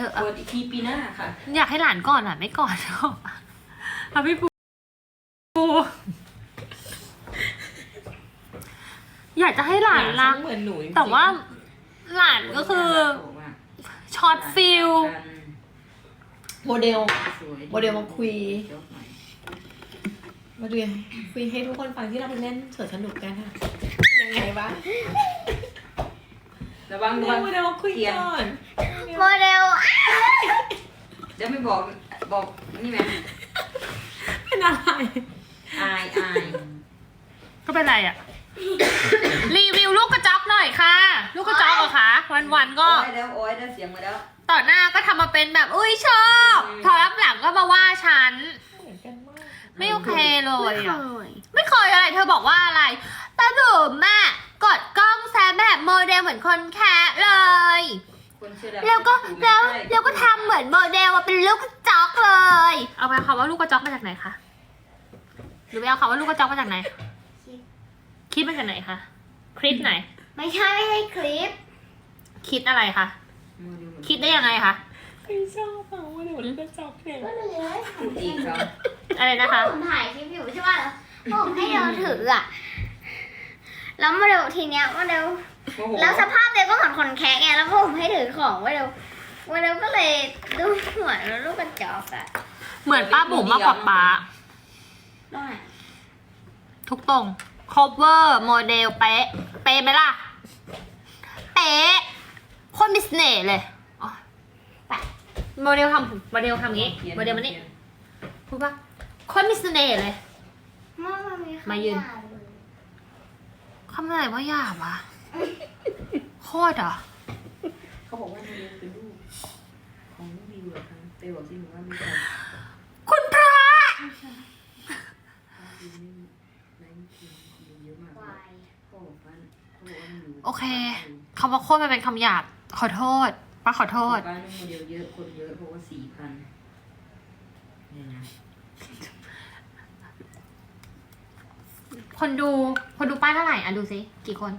เปิดอีกทีปีหน้าค่ะอยากให้หลานก่อนอ่ะไม่ก่อนเอาพี่ปูอยากจะให้หลานรักเหมือนหนูแต่ว่าหลานก็คือช็อตฟิลโมเดลมาคุยมาดูคุยให้ทุกคนฟังที่เราไปเล่นสวนสนุกกันค่ะยังไงบ้างระวังโมเดลมาคุยก่อนโมเดลจะไม่บอกนี่ไหมเป็นอะไรอายก็เป็นไรอ่ะ รีวิวลูกกระจอกหน่อยค่ะลูกกระจอกเหรอคะวันๆก็โอ้ยได้เสียงมาแล้วต่อหน้าก็ทำมาเป็นแบบอุ้ยชอบพอรับหลังก็มาว่าฉันไม่โอเคเลยไม่เคยอะไรเธอบอกว่าอะไรตาดุมแม่กดกล้องแซมแบบโมเดลเหมือนคนแคะเลยแล้วก็ทำเหมือนโมเดลว่าเป็นลูกกระจอกเลยเอาไปคำว่าลูกกระจอกมาจากไหนคะหรือไปเอาคำว่าลูกกระจอกมาจากไหนคิดมาจากไหนคะคลิปไหนไม่ใช่คลิปคิดอะไรคะคิดได้ยังไงคะไม่ชอบเปล่าว่าเดี๋ยวลูกกระจอกเนี่ยอีกครับอะไรนะคะผมถ่ายคลิปอยู่ใช่ป่ะผมให้เราถืออะแล้วโมเดลทีเนี้ยโมเดลแล้วสภาพเด็กก็เหมือนคนแคะไงแล้วผมให้ถือของโมเดลก็เลยดูเหมือนลูกกระจอกอะเหมือนป้าบุ๋มมากกว่าป้าทุกตรง cover โมเดลเป๊ะไหมล่ะเป๊ะโคตรมีเสน่ห์เลยโมเดลทำงี้โมเดลมันนี่พูดว่าโคตรมีเสน่ห์เลยมายืนคำอะไรว่าหยาบวะโคตรอ่ะเขาบอกว่าโมเดลเป็นลูกของวิวเหรอคะไปบอกที่หนูว่ามีคุณพระโอเคคำว่าโคตรมันเป็นคำหยาบขอโทษป้าขอโทษบ้านโมเดลเยอะคนเยอะเพราะว่า4,000เนี่ยนะคนดูป้าเท่าไหร่อ่ะดูสิกี่คน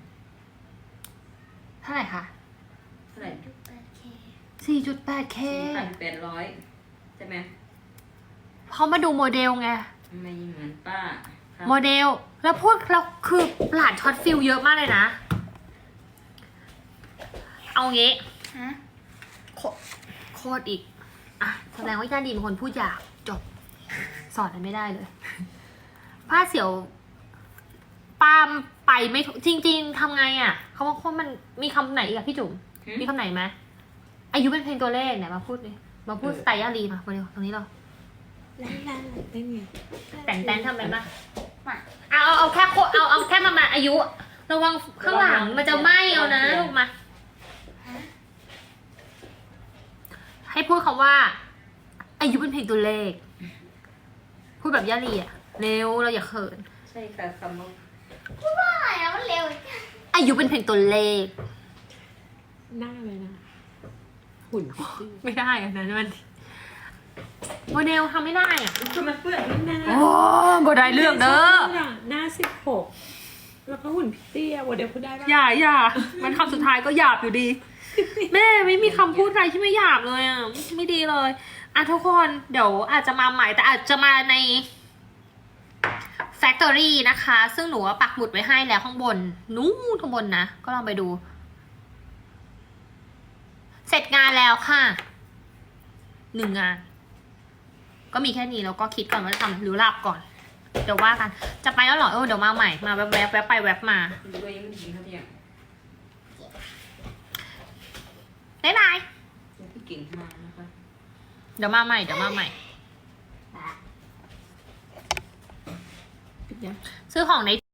เท่าไหร่คะเท่าไหร่ 4.8K 4,800ใช่ไหมเขามาดูโมเดลไงไม่เหมือนป้าโมเดลแล้วพวกเราคือหลานช็อตฟิลเยอะมากเลยนะเอางี้โคตรอีกอ่ะแสดงว่าย่าดีเป็นคนพูดหยาบจบสอนอะไรไม่ได้เลยผ้าเสี่ยวปามไปไม่จริงๆทำไงอ่ะเขาว่ามันมีคำไหนอีกอะพี่จุ๋มมีคำไหนไหมอายุเป็นเพลงตัวเลขเนี่ยมาพูดเลยมาพูดสไตล์ย่าดีมาโมเดลตรงนี้เราแต่งทำเป็นปะเอาแค่เอาแค่มาอายุระวังข้างหลังมันจะไหม้เอานะลูกมาให้พูดคำว่าอายุเป็นเพลงตัวเลขพูดแบบย่าลีอะเร็วเราอย่าเขินใช่ค่ะคำว่าพูดว่าอะไรนะมันเร็วอายุเป็นเพลงตัวเลขหน้าเลยนะหุ่นไม่ได้อะนั้นมันโมเดลทำไม่ได้อ่ะคือมันเปื้อนหน้าโอ้บ่ได้เรื่องเด้อหน้า16แล้วก็หุ่นพิตตี้โมเดลพูดได้ปะอย่ามันคำสุดท้ายก็หยาบอยู่ดีแม่ไม่มีคำพูดอะไรที่ไม่หยาบเลยอ่ะไม่ดีเลยอ่ะทุกคนเดี๋ยวอาจจะมาใหม่แต่อาจจะมาใน Factory นะคะซึ่งหนูปักหมุดไว้ให้แล้วข้างบนนู้นข้างบนนะก็ลองไปดูเสร็จงานแล้วค่ะ1 งานก็มีแค่นี้แล้วก็คิดก่อนว่าจะทำหรือหลับก่อนเดี๋ยวว่ากันจะไปแล้วเหรอเดี๋ยวมาใหม่มาแวบไปแวบมาบ๊ายบายพี่เก่งมากนะคะเดี๋ยวมาใหม่ซื้อของใน